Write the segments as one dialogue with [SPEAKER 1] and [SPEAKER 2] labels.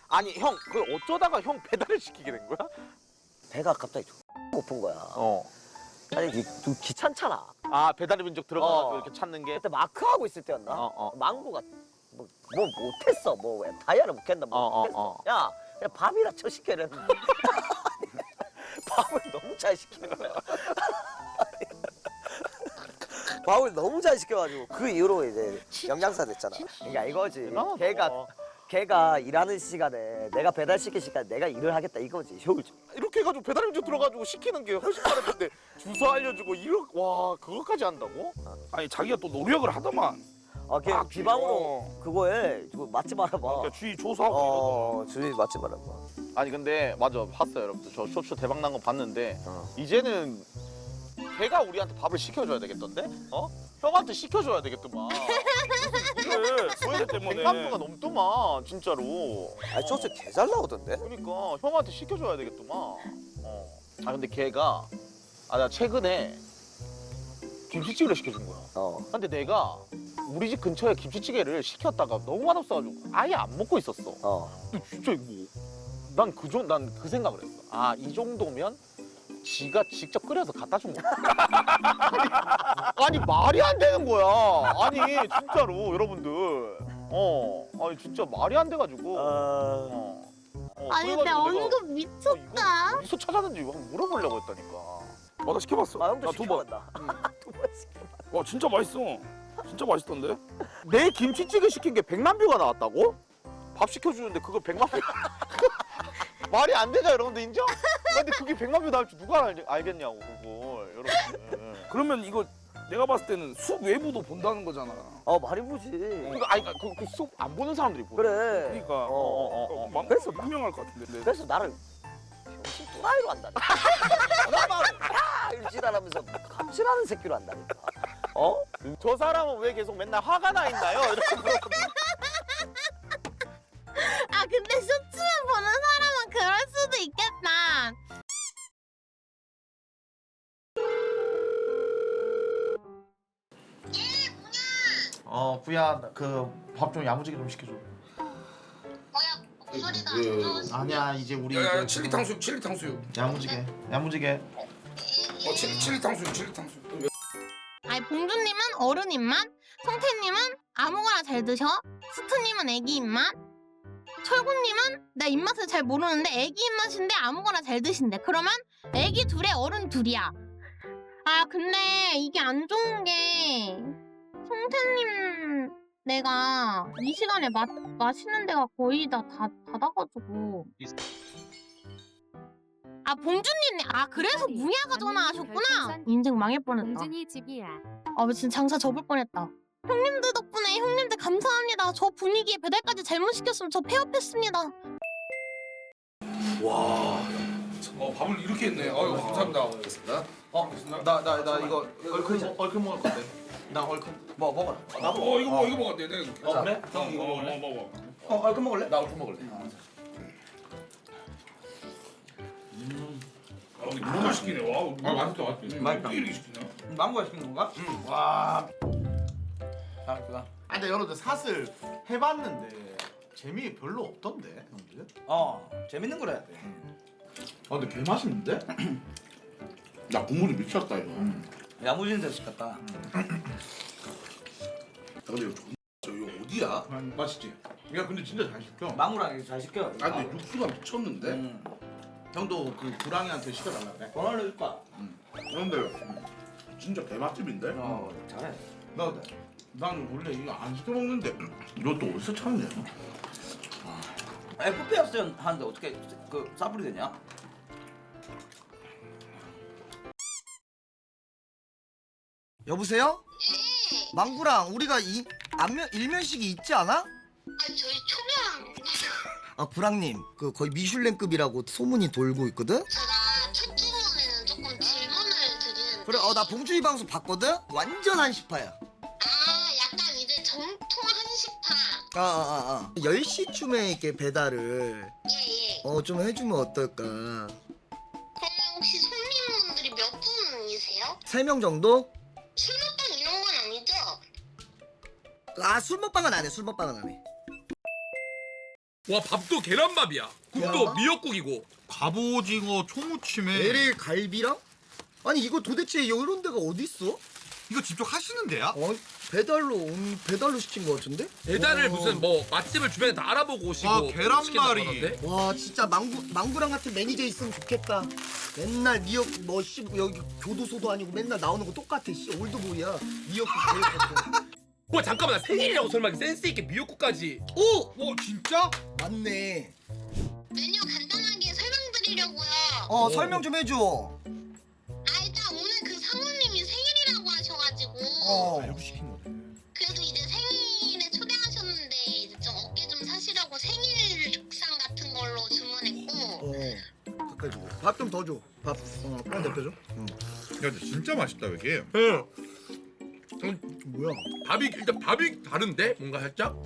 [SPEAKER 1] 아니 형 그 어쩌다가 형 배달을 시키게 된 거야?
[SPEAKER 2] 배가 갑자기 고픈 거야.
[SPEAKER 1] 어.
[SPEAKER 2] 아니 좀 귀찮잖아.
[SPEAKER 1] 아 배달의 민족 들어가서
[SPEAKER 2] 어.
[SPEAKER 1] 이렇게 찾는 게.
[SPEAKER 2] 그때 마크 하고 있을 때였나? 망고가 뭐 못했어. 뭐 다이아를 못 캔다. 뭐 못했어. 야 그냥 밥이라 쳐 시켜 이랬는데 밥을 너무 잘 시키는 거야. 밥을 너무 잘 시켜가지고 그 이후로 이제 영양사 됐잖아. 그러니까 이거지. 걔가 일하는 시간에 내가 배달시킬 시간에 내가 일을 하겠다 이거지. 효율적.
[SPEAKER 1] 이렇게 해가지고 배달의 민족 들어가지고 시키는 게 훨씬 빠른데 주소 알려주고 와 그거까지 한다고?
[SPEAKER 3] 아니 자기가 또 노력을 하더만.
[SPEAKER 2] 걔 비방으로 그거에 맛집 알아봐.
[SPEAKER 3] 그러니까 주위 조사하고
[SPEAKER 2] 주위 맛집 알아봐.
[SPEAKER 1] 아니 근데 맞아 봤어요 여러분들 저 쇼츠 대박 난 거 봤는데 이제는 걔가 우리한테 밥을 시켜줘야 되겠던데? 형한테 시켜줘야 되겠더만.
[SPEAKER 3] 그래 소외 때문에.
[SPEAKER 1] 100만 뷰가 넘더만 진짜로.
[SPEAKER 2] 아니 쇼츠 개 잘 나오던데?
[SPEAKER 1] 그러니까 형한테 시켜줘야 되겠더만. 아 근데 걔가 나 최근에 김치찌개를 시켜준 거야. 근데 내가 우리 집 근처에 김치찌개를 시켰다가 너무 맛없어가지고 아예 안 먹고 있었어. 근데 진짜 난 그 생각을 했어. 이 정도면 지가 직접 끓여서 갖다 준 거야. 아니 말이 안 되는 거야. 아니 진짜로 여러분들. 아니 진짜 말이 안 돼가지고.
[SPEAKER 4] 아니 근데 언급 미쳤다.
[SPEAKER 1] 어디서 찾았는지 한번 물어보려고 했다니까.
[SPEAKER 3] 나 시켜봤어.
[SPEAKER 2] 형도
[SPEAKER 3] 나 2번.
[SPEAKER 2] 시켜봤다. 2번 시켜봤다.
[SPEAKER 3] 와 진짜 맛있어. 진짜 맛있던데.
[SPEAKER 1] 내 김치찌개 시킨 게 100만 뷰가 나왔다고? 밥 시켜주는데 그거 100만 뷰. 말이 안 되죠 여러분들 인정? 근데 그게 100만 뷰 나올 줄 누가 알겠냐고 그걸 여러분들.
[SPEAKER 3] 그러면 이거 내가 봤을 때는 숲 외부도 본다는 거잖아.
[SPEAKER 2] 많이 보지.
[SPEAKER 1] 그러니까 그 수업 안 보는 사람들이 보여.
[SPEAKER 2] 그래.
[SPEAKER 3] 그러니까
[SPEAKER 2] 그래서
[SPEAKER 3] 그래서 유명할 것 같은데.
[SPEAKER 2] 그래서 나를 병신 또라이로 한다니까. 일지랄하면서 감질하는 새끼로 한다니까.
[SPEAKER 1] 저 사람은 왜 계속 맨날 화가 나 있나요? 이렇게 물어보고.
[SPEAKER 4] 근데 쇼츠만 보는 사람은 그럴 수도 있겠다.
[SPEAKER 5] 부야 그 밥 좀 야무지게 좀 시켜줘.
[SPEAKER 4] 뭐야 목소리가 안 좋으시.
[SPEAKER 5] 아니야 이제 우리
[SPEAKER 3] 야야
[SPEAKER 5] 이제
[SPEAKER 3] 칠리 탕수육 칠리 탕수육.
[SPEAKER 5] 야무지게.
[SPEAKER 3] 칠리 탕수육 칠리 탕수육.
[SPEAKER 4] 아니 봉준님은 어른 입맛, 성태님은 아무거나 잘 드셔, 스트님은 애기 입맛, 철구님은 나 입맛을 잘 모르는데 애기 입맛인데 아무거나 잘 드신대. 그러면 애기 둘에 어른 둘이야. 근데 이게 안 좋은 게 성태님 내가 이 시간에 마시는 데가 거의 다 닫아가지고. 봉준님 그래서 무야가 전화하셨구나. 인생 망할 뻔했다.
[SPEAKER 6] 봉준이 집이야.
[SPEAKER 4] 진짜 장사 접을 뻔했다. 형님들 덕분에 형님들 감사합니다. 저 분위기에 배달까지 잘못 시켰으면 저 폐업했습니다.
[SPEAKER 3] 와. 밥을 이렇게 했네. 아유 감사합니다.
[SPEAKER 5] 알겠습니다. 나 이거 얼큰 먹을 건데. 나 얼큰. 먹어라.
[SPEAKER 3] 나도. 이거 먹어야 돼. 내가.
[SPEAKER 5] 그래? 형 이거 먹을래?
[SPEAKER 3] 먹어.
[SPEAKER 5] 얼큰 먹을래? 나 얼큰 먹을래.
[SPEAKER 3] 근데 너무 맛있기네. 와, 맛있다.
[SPEAKER 5] 맛있다.
[SPEAKER 3] 이렇게 시키냐?
[SPEAKER 5] 망고가 시킨 건가? 와. 그다. 근데 여러분들 사슬 해봤는데 재미 별로 없던데 형들.
[SPEAKER 2] 재밌는 걸 해야 돼.
[SPEAKER 5] 근데 개 맛있는데?
[SPEAKER 3] 야 국물이 미쳤다 이거.
[SPEAKER 2] 야무진 데서 시켰다.
[SPEAKER 3] 근데 이거 어디야?
[SPEAKER 5] 맛있지? 야 근데 진짜 잘 시켜.
[SPEAKER 2] 망우랑 잘 시켜.
[SPEAKER 3] 근데 육수가 미쳤는데?
[SPEAKER 5] 형도 그 구랑이한테 시켜달라 그래.
[SPEAKER 2] 전화를 해줄까?
[SPEAKER 3] 근데 진짜 개맛집인데?
[SPEAKER 2] 잘해.
[SPEAKER 5] 난 원래 이거 안 시켜 먹는데 이것도 어디서 찾냐?
[SPEAKER 2] FPS 하는데 어떻게 그 싸불이 되냐?
[SPEAKER 7] 여보세요? 망구랑 우리가 일면식이 있지 않아?
[SPEAKER 4] 저희 초면
[SPEAKER 7] 구랑님 그 거의 미슐랭급이라고 소문이 돌고 있거든?
[SPEAKER 4] 제가 첫 주문에는 조금 질문을 드리는데
[SPEAKER 7] 그래 나 봉준이 방송 봤거든? 완전 한시파야.
[SPEAKER 4] 약간 이제 정통 한식파.
[SPEAKER 7] 10시쯤에 이렇게 배달을
[SPEAKER 4] 예예.
[SPEAKER 7] 좀 해주면 어떨까?
[SPEAKER 4] 그러면 혹시 손님분들이 몇 분이세요?
[SPEAKER 7] 3명 정도?
[SPEAKER 4] 술 먹방 이런 건 아니죠?
[SPEAKER 7] 술 먹방은 안 해. 술 먹방은 안 해.
[SPEAKER 6] 와 밥도 계란밥이야. 국도
[SPEAKER 7] 계란밥?
[SPEAKER 6] 미역국이고.
[SPEAKER 5] 갑오징어 초무침에
[SPEAKER 7] LA 갈비랑? 아니 이거 도대체 이런 데가 어디 있어?
[SPEAKER 5] 이거 직접 하시는 데야?
[SPEAKER 7] 배달로 시킨 거 같은데?
[SPEAKER 6] 배달을 무슨 뭐 맛집을 주변에 다 알아보고 오시고
[SPEAKER 5] 아, 계란말이.
[SPEAKER 6] 시킨다고 하던데?
[SPEAKER 7] 와 진짜 망구랑 같은 매니저 있으면 좋겠다. 맨날 미역 여기 교도소도 아니고 맨날 나오는 거 똑같아. 씨 올드보이야. 미역국 제일 좋고.
[SPEAKER 6] 와 잠깐만 나 생일이라고 설마 센스 있게 미역국까지.
[SPEAKER 5] 오 진짜?
[SPEAKER 7] 맞네.
[SPEAKER 4] 메뉴 간단하게 설명드리려고요.
[SPEAKER 7] 설명 좀 해줘.
[SPEAKER 4] 일단 오늘 그 사모님이 생일이라고 하셔가지고
[SPEAKER 7] 어.
[SPEAKER 5] 시킨 거네.
[SPEAKER 4] 그래도 이제 생일에 초대하셨는데 이제 좀 어깨 좀 사시라고 생일 죽상 같은 걸로 주문했고
[SPEAKER 7] 가까이 주고. 밥 좀 더 줘. 밥. 빨리 대표줘.
[SPEAKER 5] 야 근데 진짜 맛있다 이게.
[SPEAKER 7] 뭐야?
[SPEAKER 6] 일단 밥이 다른데 뭔가 살짝.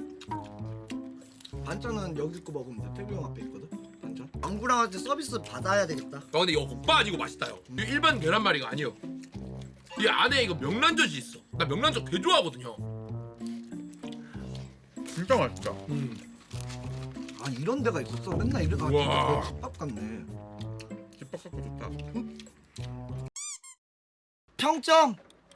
[SPEAKER 7] 반찬은 여기 거 먹으면 돼. 태구 형 앞에 있거든. 반찬. 망구랑한테 서비스 받아야 되겠다.
[SPEAKER 6] 근데 이거 국밥 아니고 맛있다요. 이거 일반 계란말이가 아니요. 이 안에 이거 명란젓이 있어. 나 명란젓 개 좋아하거든요.
[SPEAKER 5] 진짜 맛있다.
[SPEAKER 7] 아 이런 데가 있었어. 맨날 이래 가지고
[SPEAKER 6] 우와.
[SPEAKER 7] 집밥 같네.
[SPEAKER 5] 집밥 갖고 좋다.
[SPEAKER 7] 평점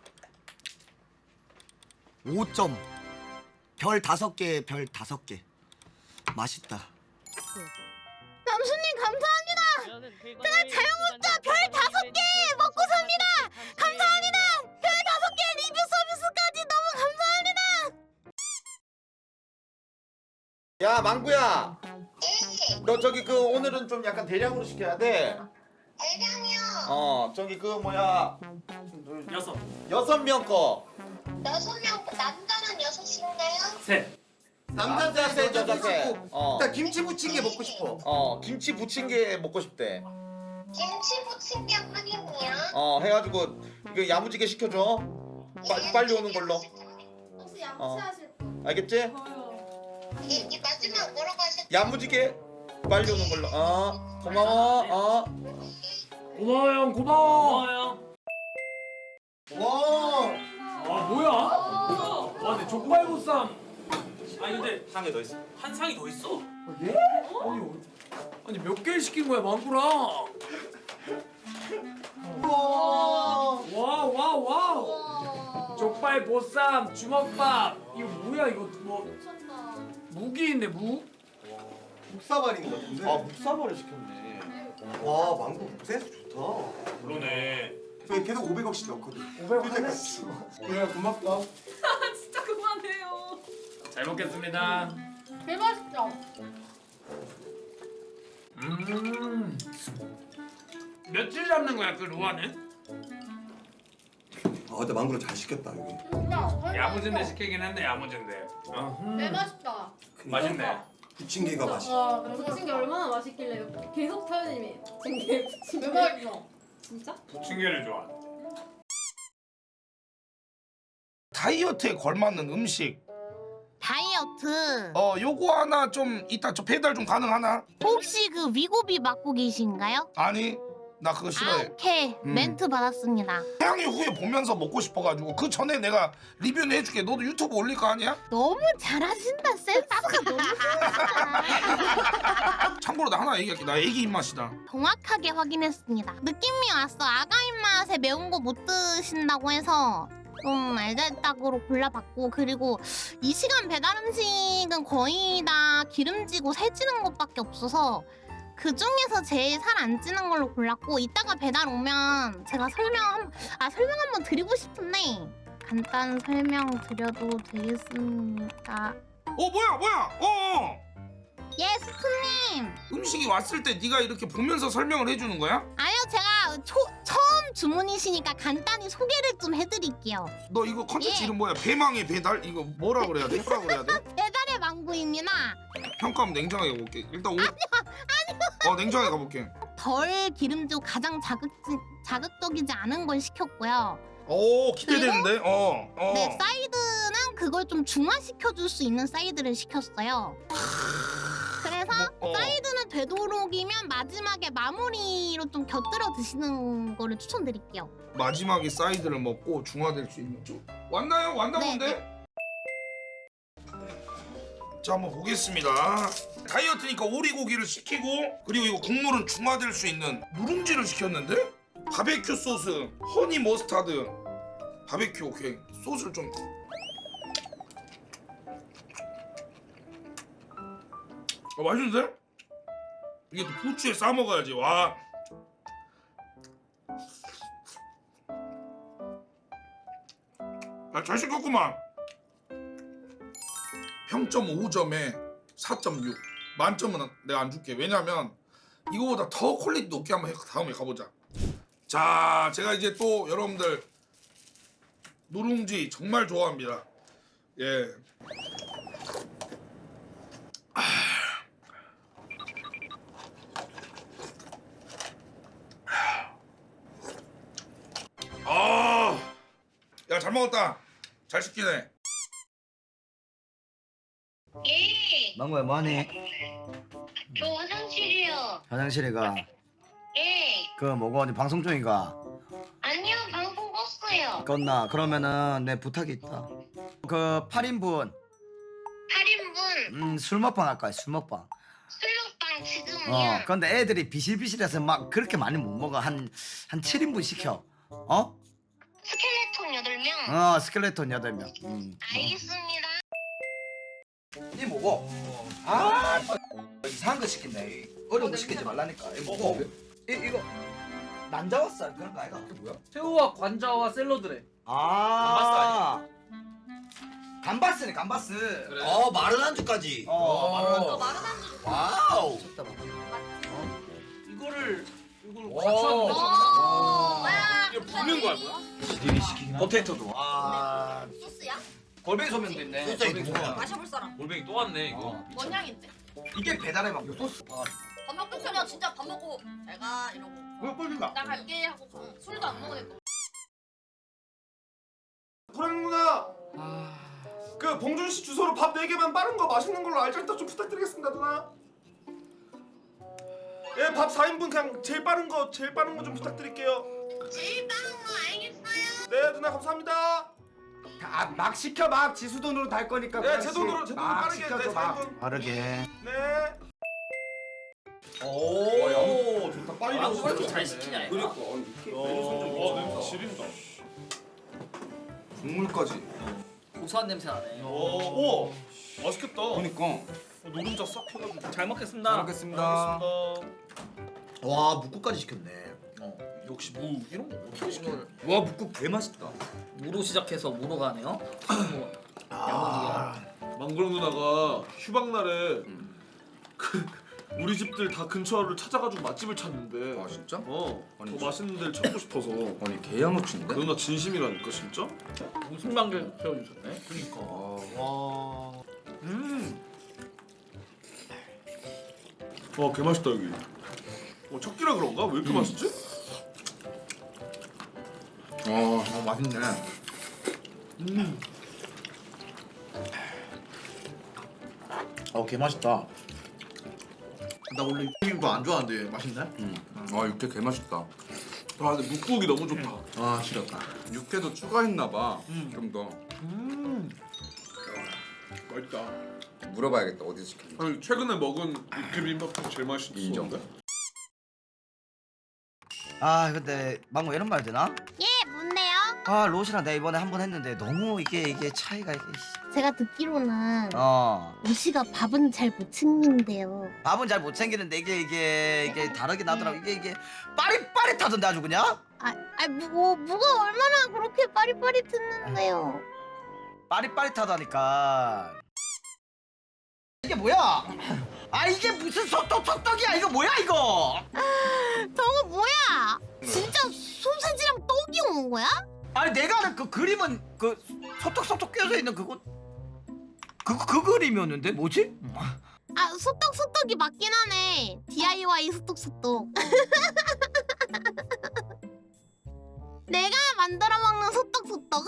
[SPEAKER 7] 5점. 별 5개, 별 5개. 맛있다.
[SPEAKER 4] 남순님 감사합니다. 제가 자영업자 별 5개 먹고 삽니다. 감사합니다. 별 5개 리뷰 서비스까지 너무 감사합니다.
[SPEAKER 1] 야 망구야. 너 저기 그 오늘은 좀 약간 대량으로 시켜야 돼.
[SPEAKER 4] 대량이요.
[SPEAKER 1] 저기 그 뭐야. 6명 거.
[SPEAKER 4] 6명 남자는 6인가요?
[SPEAKER 3] 셋.
[SPEAKER 1] 남자 셋, 여자 셋.
[SPEAKER 7] 나 김치 부침개 먹고 싶어.
[SPEAKER 1] 김치 부침개 먹고 싶대.
[SPEAKER 4] 김치 부침개 확인이요.
[SPEAKER 1] 해가지고 그 야무지게 시켜줘. 빨리 오는 걸로.
[SPEAKER 4] 혹시
[SPEAKER 1] 양치하실 알겠지?
[SPEAKER 4] 이 마지막 뭐라고 하셨죠?
[SPEAKER 1] 야무지게 빨리 오는 걸로. 고마워.
[SPEAKER 3] 고마워 형 고마워.
[SPEAKER 7] 와.
[SPEAKER 3] 아 뭐야? 와 근데 족발보쌈. 아니 근데
[SPEAKER 6] 상에 더 있어.
[SPEAKER 3] 한 상이 더 있어? 예? 아니 몇 개를 시킨 거야 망구랑? 와. 족발 보쌈 주먹밥 이거 뭐야 이거 뭐 무기 있네 무?
[SPEAKER 7] 묵사발인 거 같은데.
[SPEAKER 1] 묵사발을 시켰네.
[SPEAKER 7] 와 망고 센스 좋다.
[SPEAKER 3] 그러네.
[SPEAKER 7] 저희 계속 500억씩 넣거든.
[SPEAKER 3] 500원 하나씩.
[SPEAKER 7] 그래 고맙다.
[SPEAKER 8] 진짜 그만해요.
[SPEAKER 3] 잘 먹겠습니다.
[SPEAKER 8] 개 맛있죠?
[SPEAKER 3] 며칠 잡는 거야 그 루아는?
[SPEAKER 9] 근데 망구를 잘 시켰다 여기.
[SPEAKER 8] 진짜
[SPEAKER 3] 야무진데 시키긴 했네 야무진데.
[SPEAKER 8] 개 맛있다.
[SPEAKER 3] 맛있네.
[SPEAKER 9] 부침개가 맛있어.
[SPEAKER 8] 와, 부침개 얼마나 맛있길래 계속 타요님이 부침개 부침개. 개 맛있어. 진짜?
[SPEAKER 3] 부침개를 좋아.
[SPEAKER 10] 다이어트에 걸맞는 음식.
[SPEAKER 4] 다이어트.
[SPEAKER 10] 요거 하나 좀 이따 저 배달 좀 가능하나?
[SPEAKER 4] 혹시 그 위고비 맡고 계신가요?
[SPEAKER 10] 아니 나 그거 싫어해.
[SPEAKER 4] 오케이. 멘트 받았습니다.
[SPEAKER 10] 태양이 후에 보면서 먹고 싶어가지고 그 전에 내가 리뷰는 해줄게. 너도 유튜브 올릴 거 아니야?
[SPEAKER 4] 너무 잘하신다. 센스가 너무 좋으시다.
[SPEAKER 10] 참고로 나 하나 얘기할게. 나 애기 입맛이다.
[SPEAKER 4] 정확하게 확인했습니다. 느낌이 왔어. 아가 입맛에 매운 거 못 드신다고 해서 좀 알잘딱으로 골라봤고, 그리고 이 시간 배달 음식은 거의 다 기름지고 살찌는 것밖에 없어서 그 중에서 제일 살 안 찌는 걸로 골랐고, 이따가 배달 오면 제가 설명 한번 드리고 싶은데 간단 설명 드려도 되겠습니까?
[SPEAKER 10] 뭐야?
[SPEAKER 4] 예, 스프님.
[SPEAKER 10] 음식이 왔을 때 네가 이렇게 보면서 설명을 해주는 거야?
[SPEAKER 4] 아니요, 제가 처음 주문이시니까 간단히 소개를 좀 해드릴게요.
[SPEAKER 10] 너 이거 컨텐츠
[SPEAKER 4] 예.
[SPEAKER 10] 이름 뭐야? 배망의 배달? 이거 뭐라 그래야 돼? 뭐라 그래야 돼?
[SPEAKER 4] 배달의 망구입니다.
[SPEAKER 10] 평가하면 냉정하게 가볼게. 일단 아니요. 냉정하게 가볼게.
[SPEAKER 4] 덜 기름지고 가장 자극적이지 않은 걸 시켰고요.
[SPEAKER 10] 오 기대되는데?
[SPEAKER 4] 네, 사이드는 그걸 좀 중화시켜줄 수 있는 사이드를 시켰어요. 그래서 사이드는 되도록이면 마지막에 마무리로 좀 곁들여 드시는 거를 추천드릴게요.
[SPEAKER 10] 마지막에 사이드를 먹고 중화될 수 있는 쪽 왔나요? 왔나
[SPEAKER 4] 네,
[SPEAKER 10] 본데? 자 한번 보겠습니다. 다이어트니까 오리고기를 시키고 그리고 이거 국물은 중화될 수 있는 누룽지를 시켰는데 바베큐 소스, 허니 머스타드, 바베큐 오케이 소스를 좀 맛있는데? 이게 또 부추에 싸 먹어야지 와. 잘 시켰구만. 평점 5점에 4.6 만점은 내가 안 줄게. 왜냐면 이거보다 더 퀄리티 높게 한번 다음에 가보자. 자 제가 이제 또 여러분들 누룽지 정말 좋아합니다. 예. 야 잘 먹었다. 잘 시키네.
[SPEAKER 11] 예,
[SPEAKER 2] 망고야 뭐하니?
[SPEAKER 11] 저 화장실이요.
[SPEAKER 2] 화장실에 가.
[SPEAKER 11] 예,
[SPEAKER 2] 그 뭐고 어디 방송 중인가?
[SPEAKER 11] 아니요, 방송 껐어요.
[SPEAKER 2] 껐나? 그러면은 내 부탁이 있다. 그 8인분
[SPEAKER 11] 8인분
[SPEAKER 2] 술 먹방 할 거야. 술 먹방.
[SPEAKER 11] 술먹방 지금이요.
[SPEAKER 2] 근데 애들이 비실비실해서 막 그렇게 많이 못 먹어. 한 7인분 시켜. 어?
[SPEAKER 11] 스켈레톤 8명.
[SPEAKER 2] 스켈레톤 8명.
[SPEAKER 11] 알겠습니다.
[SPEAKER 2] 이 뭐고? 이상한 거 시킨다. 어려운 거 시키지 말라니까. 이 뭐고? 이거 난자왔어 그런 거 아이가? 이게 뭐야?
[SPEAKER 3] 새우와 관자와 샐러드래.
[SPEAKER 2] 감바스네 감바스.
[SPEAKER 3] 그래.
[SPEAKER 7] 마른 안주까지.
[SPEAKER 2] 마른 안주.
[SPEAKER 7] 와우.
[SPEAKER 3] 이걸
[SPEAKER 4] 오.
[SPEAKER 3] 같이 하는 거잖아.
[SPEAKER 4] 이거
[SPEAKER 3] 붓는 거야 뭐야?
[SPEAKER 2] 지들이 시키긴
[SPEAKER 7] 포테이토도.
[SPEAKER 4] 소스야?
[SPEAKER 2] 골뱅이 소면도 있네.
[SPEAKER 7] 소스에 누구야?
[SPEAKER 4] 마셔볼 사람.
[SPEAKER 3] 골뱅이 또 왔네 이거.
[SPEAKER 4] 뭔 향인데?
[SPEAKER 2] 이게 배달의 막 소스.
[SPEAKER 4] 밥 먹고 그냥 진짜 밥 먹고 잘 가 이러고.
[SPEAKER 2] 왜 꼴리가?
[SPEAKER 4] 나 갈게 하고 가. 술도 안 먹으니까.
[SPEAKER 5] 불행 누나. 그 봉준 씨 주소로 밥 4개만 빠른 거 맛있는 걸로 알짜리떡 좀 부탁드리겠습니다 누나. 예, 밥 4인분 그냥 제일 빠른 거 좀 부탁드릴게요.
[SPEAKER 11] 제일 빠른 거 알겠어요.
[SPEAKER 5] 네 누나 감사합니다.
[SPEAKER 7] 막 시켜 막 지수 돈으로 달 거니까.
[SPEAKER 5] 네, 제 돈으로 빠르게 네, 4인분.
[SPEAKER 2] 빠르게.
[SPEAKER 5] 네.
[SPEAKER 7] 오, 좋다. 빨리
[SPEAKER 3] 왜 이렇게 잘 시키냐 이거.
[SPEAKER 7] 그러니까 메뉴 선정.
[SPEAKER 5] 냄새 지린다.
[SPEAKER 7] 국물까지.
[SPEAKER 3] 고소한 냄새 나네.
[SPEAKER 5] 오, 맛있겠다.
[SPEAKER 7] 그러니까.
[SPEAKER 5] 노른자 싹 펴가지고.
[SPEAKER 3] 잘 먹겠습니다.
[SPEAKER 7] 잘 먹겠습니다.
[SPEAKER 2] 와 묵국까지 시켰네.
[SPEAKER 5] 역시 무 이런 거 어떻게 시켜?
[SPEAKER 7] 와 묵국 개 맛있다.
[SPEAKER 3] 무로 시작해서 무로 가네요.
[SPEAKER 5] 망그랑 누나가 휴방 날에 그 우리 집들 다 근처를 찾아가지고 맛집을 찾는데.
[SPEAKER 7] 아 진짜?
[SPEAKER 5] 더 맛있는 데를 찾고 싶어서.
[SPEAKER 7] 아니 개야무친데?
[SPEAKER 5] 그 누나 진심이라니까 진짜?
[SPEAKER 3] 무슨 방을 세워주셨네.
[SPEAKER 5] 그니까.
[SPEAKER 2] 와.
[SPEAKER 5] 와, 개 맛있다 여기. 첫 끼라 그런가? 왜 이렇게 맛있지?
[SPEAKER 7] 맛있네.
[SPEAKER 1] 개 맛있다. 나 원래 육개김도 안 좋아하는데 맛있네?
[SPEAKER 7] 육회 개 맛있다.
[SPEAKER 5] 아, 근데 묵국이 너무 좋다.
[SPEAKER 1] 싫었다.
[SPEAKER 7] 육회도 추가했나봐. 좀 더.
[SPEAKER 5] 맛있다.
[SPEAKER 7] 물어봐야겠다 어디서 시켰는지.
[SPEAKER 5] 아니, 최근에 먹은 육개비빔밥 중에 제일 맛있었어.
[SPEAKER 7] 인정.
[SPEAKER 2] 근데 망고 이런 말 되나?
[SPEAKER 4] 예, 뭔데요?
[SPEAKER 2] 로시랑 내가 이번에 한 번 했는데 너무 이게 차이가
[SPEAKER 4] 제가 듣기로는
[SPEAKER 2] 어.
[SPEAKER 4] 우씨가 밥은 잘 못 챙긴대요.
[SPEAKER 2] 밥은 잘 못 챙기는데 이게 다르게 나더라고. 이게 빠릿빠릿하던데 아주 그냥?
[SPEAKER 4] 뭐가 얼마나 그렇게 빠릿빠릿했는데요.
[SPEAKER 2] 빠릿빠릿하다니까. 이게 뭐야? 이게 무슨 소떡이야? 이거 뭐야 이거?
[SPEAKER 4] 저거 뭐야? 진짜 소세지랑 떡이 온 거야?
[SPEAKER 2] 아니 내가 아는 그 그림은 그 소떡소떡 껴져 있는 그거 그 그림이었는데 뭐지?
[SPEAKER 4] 소떡이 맞긴 하네. DIY 소떡. 내가 만들어 먹는 소떡.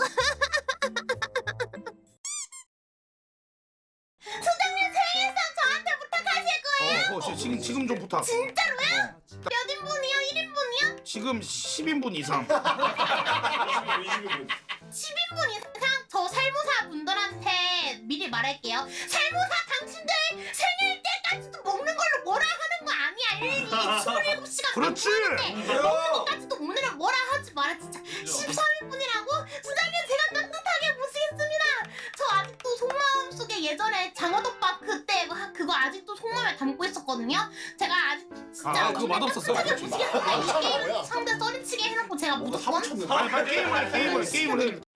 [SPEAKER 4] 소장님 생일상 저한테 부탁하실 거예요?
[SPEAKER 10] 지금 좀 부탁.
[SPEAKER 4] 진짜로요? 몇 인분이요? 1인분이요?
[SPEAKER 10] 지금 10인분 이상.
[SPEAKER 4] 10인분 이상? 저 살모사 분들한테 미리 미리 말할게요. 세무사 당신들 생일 때까지도 먹는 걸로 뭐라 하는 거 아니야. 일일이 27시간
[SPEAKER 10] 그렇지.
[SPEAKER 4] 먹는 것까지도 오늘은 뭐라 하지 마라 진짜. 13일뿐이라고? 수장님 제가 따뜻하게 모시겠습니다. 저 아직도 속마음 속에 예전에 장어덮밥 그때 그거 아직도 속마음에 담고 있었거든요. 제가 아직 진짜
[SPEAKER 10] 그거 맛없었어요.
[SPEAKER 4] 따뜻하게 모시겠습니다. 이 게임 상대 써리치게 해놓고 제가 무조건
[SPEAKER 5] 빨리 게임을 해.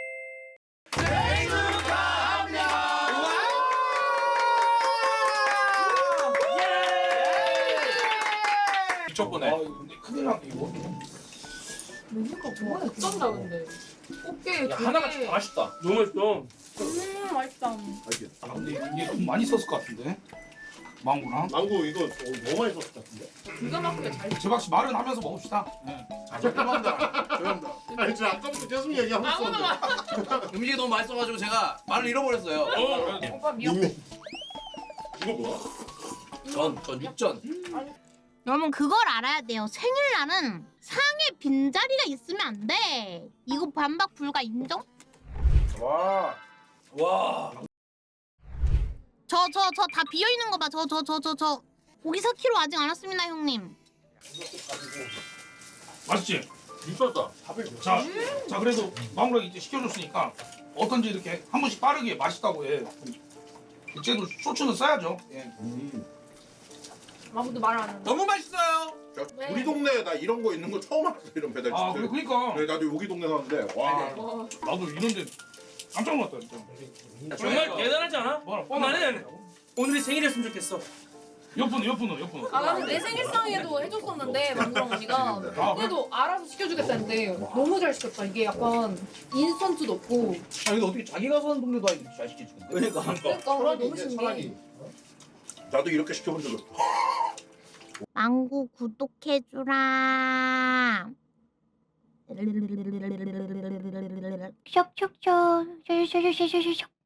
[SPEAKER 10] 미쳤보네. 근데 큰일 났네 이거.
[SPEAKER 8] 메뉴가 정말 어쩐다 근데. 꽃게
[SPEAKER 6] 야 하나가 진짜 맛있다. 너무 맛있어.
[SPEAKER 8] 맛있다.
[SPEAKER 10] 아 근데 이게 돈 많이 썼을 것 같은데. 망고랑.
[SPEAKER 5] 망고 이거 너무 많이 썼을 것 같은데.
[SPEAKER 8] 기가 막히게 잘.
[SPEAKER 10] 재박 씨 말은 하면서 먹읍시다. 네.
[SPEAKER 5] 죄송합니다. 아니 저 아까부터 계속 얘기하고 있었는데.
[SPEAKER 6] 음식이 너무 맛있어가지고 제가 말을 잃어버렸어요.
[SPEAKER 8] 오빠 미역.
[SPEAKER 5] 이거 뭐야?
[SPEAKER 6] 전 육전.
[SPEAKER 4] 여러분 그걸 알아야 돼요. 생일날은 상에 빈자리가 있으면 안 돼. 이거 반박 불가 인정?
[SPEAKER 10] 와.
[SPEAKER 4] 저 다 비어있는 거 봐. 저 고기 4kg 아직 안 왔습니다 형님.
[SPEAKER 10] 맛있지?
[SPEAKER 6] 미쳤다.
[SPEAKER 10] 자 그래도 망고랑 이제 시켜줬으니까 어떤지 이렇게 한 번씩 빠르게 맛있다고 해. 쟤도 소주는 써야죠. 예.
[SPEAKER 8] 아무도 말 안 하는.
[SPEAKER 6] 너무 맛있어요.
[SPEAKER 8] 네.
[SPEAKER 5] 우리 동네에 나 이런 거 있는 거 처음 알았어 이런 배달집.
[SPEAKER 10] 아 그러니까
[SPEAKER 5] 네, 나도 여기 동네 사는데 와.
[SPEAKER 10] 나도 이런데 깜짝 놀랐다 진짜.
[SPEAKER 6] 정말 대단하지 않아? 나는 오늘이 생일이었으면 좋겠어.
[SPEAKER 10] 옆으로.
[SPEAKER 8] 아 나는 내 생일상에도 해줬었는데 만두랑 언니가 그래도 알아서 시켜주겠다는데 너무 잘 시켰다. 이게 약간 인스턴트도 없고.
[SPEAKER 1] 아 근데 어떻게 자기가 사는 동네도 아니고 잘 시켜주는데?
[SPEAKER 8] 그러니까 너무 신기해.
[SPEAKER 5] 나도 이렇게 시켜본 적 없어.
[SPEAKER 4] 망구 구독해주라. 쇽쇽쇽.